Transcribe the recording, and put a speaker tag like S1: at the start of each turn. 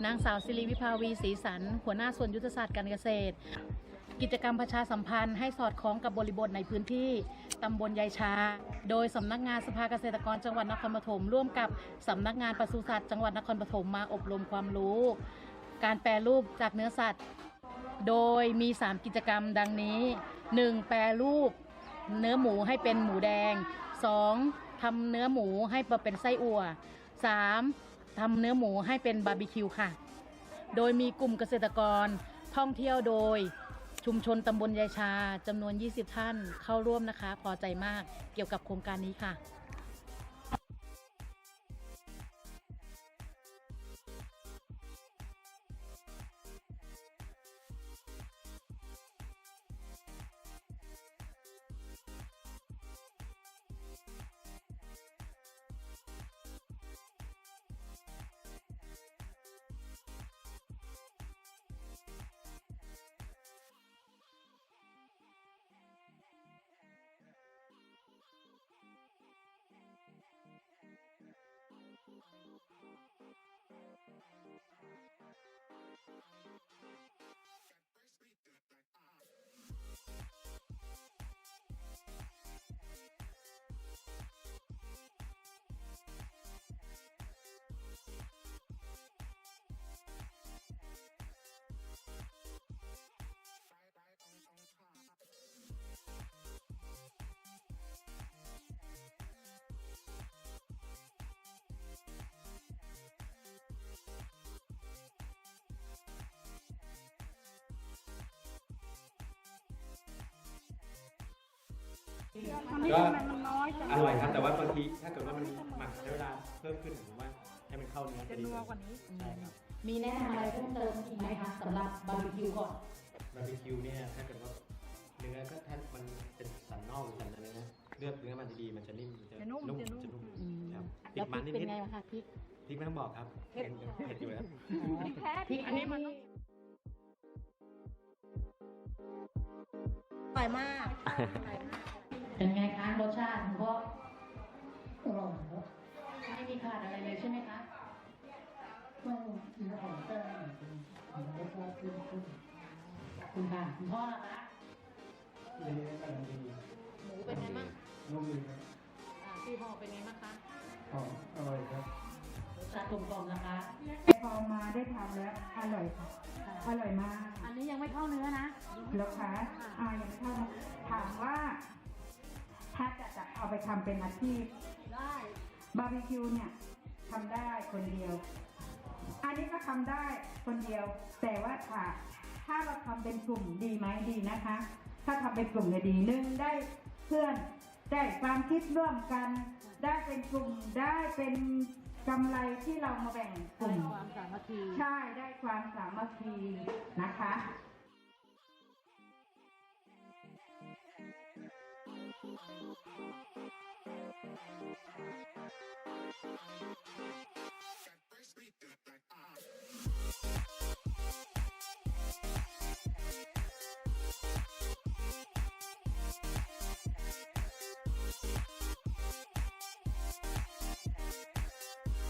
S1: นางสาวศิริวิภาวีศรีสันหัวหน้าส่วนยุทธศาสตร์การเกษตรกิจกรรมประชาสัมพันธ์ให้สอดคล้องกับบริบทในพื้นที่ตำบลยายชาโดยสำนักงานสภาเกษตรกรจังหวัดนครปฐมร่วมกับสำนักงานปศุสัตว์จังหวัดนครปฐมมาอบรมความรู้การแปรรูปจากเนื้อสัตว์โดยมี3กิจกรรมดังนี้ 1. แปรรูปเนื้อหมูให้เป็นหมูแดง 2. ทำเนื้อหมูให้เป็นไส้อั่ว 3. ทำเนื้อหมูให้เป็นบาร์บีคิวค่ะโดยมีกลุ่มเกษตรกรท่องเที่ยวโดยชุมชนตำบลยายชาจำนวน20ท่านเข้าร่วมนะคะพอใจมากเกี่ยวกับโครงการนี้ค่ะ
S2: ก็อร่อยครับแต่ว่าบางทีถ้าเกิดว่ามันหมักใช้เวลาเพิ่มขึ้นผมว่าให้มันเข้าเนื้อจะดีกว่านี้ใช่ครับ
S1: มีแนะนำอะไรเพิ่มเติมอีกไหมคะสำหรับบาร์บีคิวก่อน
S2: บาร์บีคิวเนี่ยถ้าเกิดว่าเนื้อก็ถ้ามันเป็นสันนอกหรือสันอะไรนะเลือกเนื้อมันดีๆมันจะนิ่มมันจะนุ่มครับพริกมันนิดๆเป็นไงคะพริกไม่ต้องบอกครับเผ็ดอยู่แล้ว
S1: พริกอันนี้มันอร่อยมากเป็นไงคะรสชาติคุณพ่ออร่อยครับไม่มีขาดอะไรเลยใช่ไหมคะไม่มีอาหารแต่รสชาติขึ้นคุณค่ะคุณพ่อล่ะคะ
S2: ดีกำลังดี
S1: หมูเป็นไงบ้าง
S2: นุ่มดีครับ
S1: พี่พ่อเป็นไงบ้างคะ
S2: อร่อยครับ
S1: รสชาติกลมกล่อมนะคะ
S3: พอมาได้ทำแล้วอร่อยค่ะอร่อยมาก
S1: อันนี้ยังไม่เข้าเนื้อนะ
S3: แล้วคะยังไม่เข้าถามว่าถ้าจะเอาไปทำเป็นอาชีพ
S1: ได้
S3: บาร์บีคิวเนี่ยทำได้คนเดียวอันนี้ก็ทำได้คนเดียวแต่ว่าถ้าเราทำเป็นกลุ่มดีไหมดีนะคะถ้าทำเป็นกลุ่มเนี่ยดี1ได้เพื่อนได้ความคิดร่วมกันได้เป็นกลุ่มได้เป็นกำไรที่เรามาแบ่งกลุ่ม
S1: ความสามัคคี
S3: ใช่ได้ความสามัคคีนะคะ